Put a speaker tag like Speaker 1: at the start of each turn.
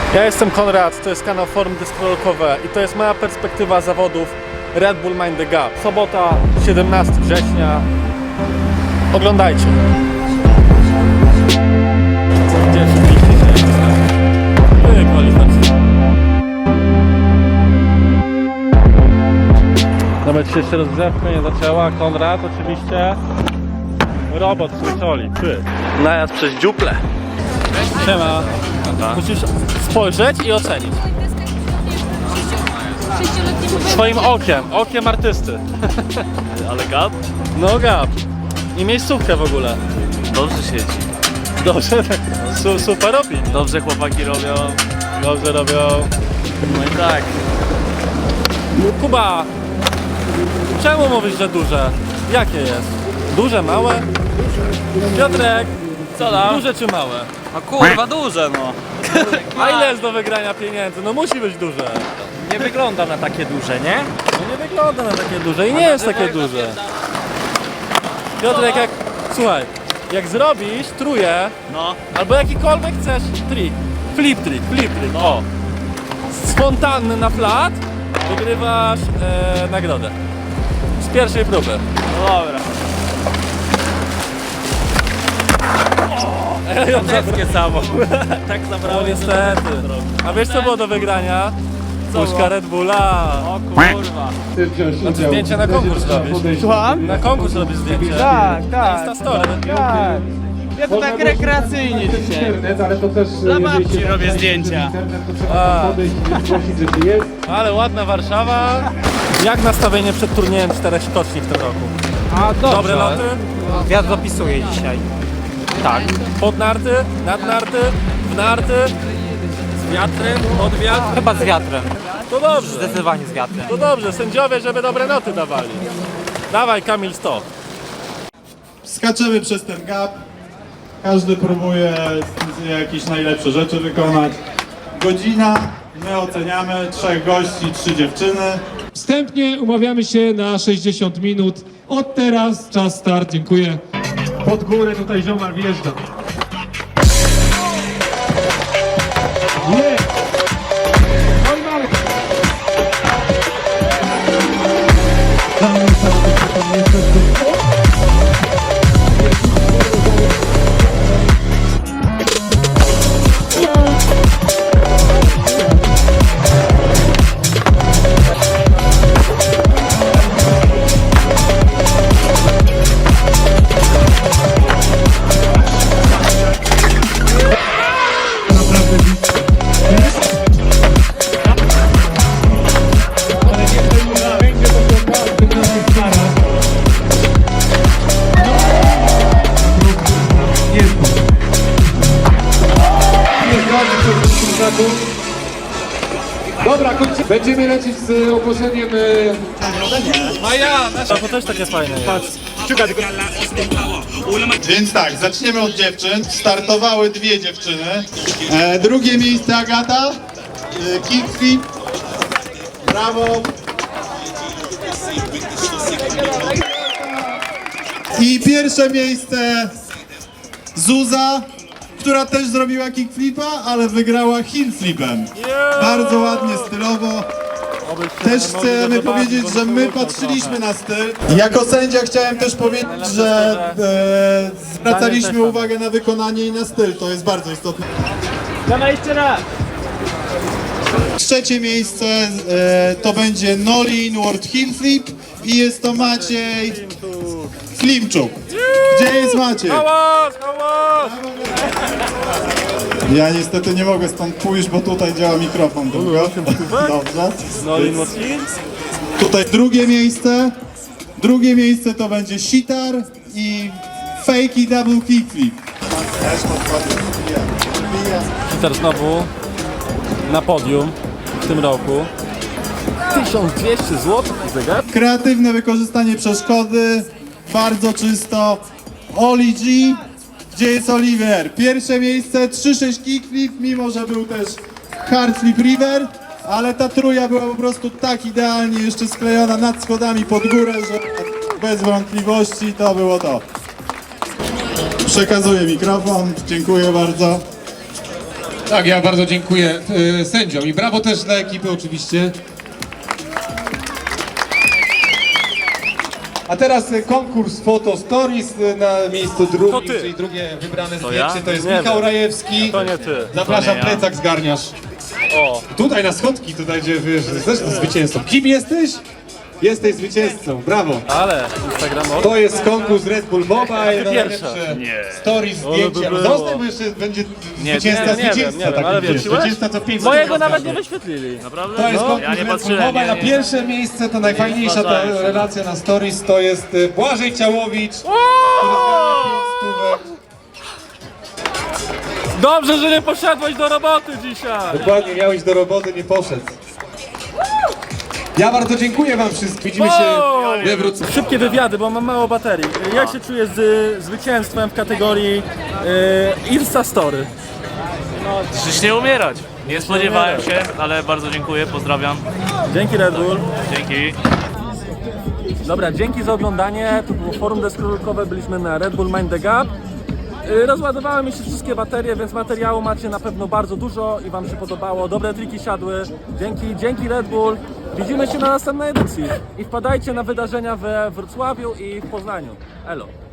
Speaker 1: Ja jestem Konrad, to jest kanał Forum Deskorolkowe i to jest moja perspektywa zawodów Red Bull Mind the Gap. Sobota, 17 września. Oglądajcie. Nawet się jeszcze rozgrzewka nie zaczęła. Konrad oczywiście. Robot słyszoli. Najazd przez dziuple. Siema. Musisz spojrzeć i ocenić. Swoim okiem artysty.
Speaker 2: Ale gap?
Speaker 1: No gap. I miejscówkę w ogóle.
Speaker 2: Dobrze siedzi.
Speaker 1: Dobrze, super robi.
Speaker 2: Dobrze chłopaki robią.
Speaker 1: Dobrze robią.
Speaker 2: No i tak.
Speaker 1: Kuba, czemu mówisz, że duże? Jakie jest? Duże, małe? Piotrek,
Speaker 2: Co tam?
Speaker 1: duże czy małe?
Speaker 2: No kurwa duże no.
Speaker 1: A ile jest do wygrania pieniędzy? No musi być duże.
Speaker 2: Nie wygląda na takie duże, nie?
Speaker 1: No nie wygląda na takie duże i nie jest takie duże. Piotrek, słuchaj, jak zrobisz truje,
Speaker 2: No.
Speaker 1: albo jakikolwiek chcesz trik, flip trick, o, spontanny na flat, wygrywasz nagrodę. Z pierwszej próby.
Speaker 2: No dobra. Wszystkie samo. Tak
Speaker 1: No
Speaker 2: zabrałem.
Speaker 1: niestety. A wiesz co było do wygrania? Puszka Red Bulla.
Speaker 2: O kurwa.
Speaker 1: Znaczy zdjęcie na konkurs robisz.
Speaker 3: Słucham?
Speaker 1: Na konkurs robisz zdjęcie.
Speaker 3: Tak, tak.
Speaker 1: Instastory.
Speaker 3: Tak. Ja to tak rekreacyjnie dzisiaj.
Speaker 4: Ale to też
Speaker 3: Dla babci robię zdjęcia.
Speaker 1: A.
Speaker 4: podejść i zgłosić, że tu jest.
Speaker 1: Ale ładna Warszawa. Jak nastawienie przed turniejem 4 skoczni w tym roku?
Speaker 3: A
Speaker 1: Dobre loty?
Speaker 3: Wiatr dopisuje dzisiaj. Tak.
Speaker 1: Pod narty? Nad narty? W narty? Z wiatrem? Pod wiatr?
Speaker 3: Chyba z wiatrem.
Speaker 1: To dobrze.
Speaker 3: Zdecydowanie z wiatrem.
Speaker 1: To dobrze. Sędziowie, żeby dobre noty dawali. Dawaj Kamil 100.
Speaker 5: Skaczemy przez ten gap. Każdy próbuje jakieś najlepsze rzeczy wykonać. Godzina, my oceniamy, 3 gości, 3 dziewczyny.
Speaker 4: Wstępnie umawiamy się na 60 minut. Od teraz czas start, dziękuję. Pod górę tutaj ziomal wjeżdża. Nie! Oj, mamy! Dobra, kończymy. Będziemy lecieć z ogłoszeniem.
Speaker 1: A ja, nasza, to też takie fajne jest.
Speaker 5: Więc tak, zaczniemy od dziewczyn. Startowały 2 dziewczyny. Drugie miejsce Agata. Kickflip. Brawo. I pierwsze miejsce Zuza, która też zrobiła kickflipa, ale wygrała hillflipem. Bardzo ładnie, stylowo. Też chcemy powiedzieć, że my patrzyliśmy na styl. Jako sędzia chciałem też powiedzieć, że zwracaliśmy uwagę na wykonanie i na styl. To jest bardzo istotne.
Speaker 3: Dawaj jeszcze raz.
Speaker 5: Trzecie miejsce to będzie Nolly Inward Hill Flip i jest to Maciej Klimczuk. Gdzie jest Maciej?
Speaker 1: Hałas, hałas!
Speaker 5: Ja niestety nie mogę stąd pójść, bo tutaj działa mikrofon tylko. Dobrze.
Speaker 1: Nolin Watkins.
Speaker 5: Tutaj drugie miejsce. Drugie miejsce to będzie sitar i fakey double kickflip.
Speaker 1: Peter znowu na podium w tym roku. 1200 zł zegar.
Speaker 5: Kreatywne wykorzystanie przeszkody, bardzo czysto. Oli G, gdzie jest Oliver? Pierwsze miejsce, 3-6 kickflip, mimo że był też hard flip river, ale ta truja była po prostu tak idealnie jeszcze sklejona nad schodami pod górę, że bez wątpliwości to było to. Przekazuję mikrofon, dziękuję bardzo.
Speaker 4: Tak, ja bardzo dziękuję sędziom i brawo też dla ekipy oczywiście. A teraz konkurs Photo Stories na miejscu drugim,
Speaker 1: ty.
Speaker 4: czyli drugie wybrane
Speaker 2: ja?
Speaker 4: zdjęcie, to jest
Speaker 1: Nie
Speaker 4: Michał
Speaker 1: wiem.
Speaker 4: Rajewski.
Speaker 1: To nie ty.
Speaker 4: Zapraszam,
Speaker 2: To nie ja.
Speaker 4: plecak zgarniasz.
Speaker 1: O,
Speaker 4: Tutaj na schodki, tutaj gdzie wiesz, jesteś zwycięzcą. Kim jesteś? Jesteś zwycięzcą, brawo.
Speaker 1: ale Instagram
Speaker 4: To jest konkurs Red Bull Mobile na
Speaker 1: Pierwsze.
Speaker 4: najlepsze stories,
Speaker 1: Ale
Speaker 4: zdjęcia.
Speaker 1: by było.
Speaker 4: Zostań, bo jeszcze będzie zwycięzca,
Speaker 1: nie wiem,
Speaker 4: zwycięzca, tak
Speaker 1: ale
Speaker 4: wiesz,
Speaker 1: wróciłeś?
Speaker 4: zwycięzca co 5
Speaker 1: mojego nawet nie wyświetlili.
Speaker 2: Naprawdę?
Speaker 4: To jest
Speaker 2: No,
Speaker 4: konkurs
Speaker 2: ja nie
Speaker 4: Red Bull
Speaker 2: patrzyłem,
Speaker 4: Mobile. Na
Speaker 2: nie.
Speaker 4: pierwsze miejsce to najfajniejsza ta
Speaker 2: zważałem się.
Speaker 4: relacja na stories to jest Błażej Ciałowicz, który zgarnia 5 stówek.
Speaker 1: Dobrze, że nie poszedłeś do roboty dzisiaj.
Speaker 4: Dokładnie, miałeś do roboty, nie poszedł. Ja bardzo dziękuję wam wszystkim. Widzimy się we Wrocławiu.
Speaker 1: Szybkie wywiady, bo mam mało baterii. Jak się czujesz z zwycięstwem w kategorii Insta Story?
Speaker 2: Przecież nie umierać. Nie spodziewałem się, ale bardzo dziękuję, pozdrawiam.
Speaker 1: Dzięki Red Bull.
Speaker 2: Dzięki.
Speaker 1: Dobra, dzięki za oglądanie. To było forum deskorolkowe, byliśmy na Red Bull Mind the Gap. Rozładowały mi się wszystkie baterie, więc materiału macie na pewno bardzo dużo i wam się podobało. Dobre triki siadły. Dzięki Red Bull. Widzimy się na następnej edycji. I wpadajcie na wydarzenia we Wrocławiu i w Poznaniu. Elo.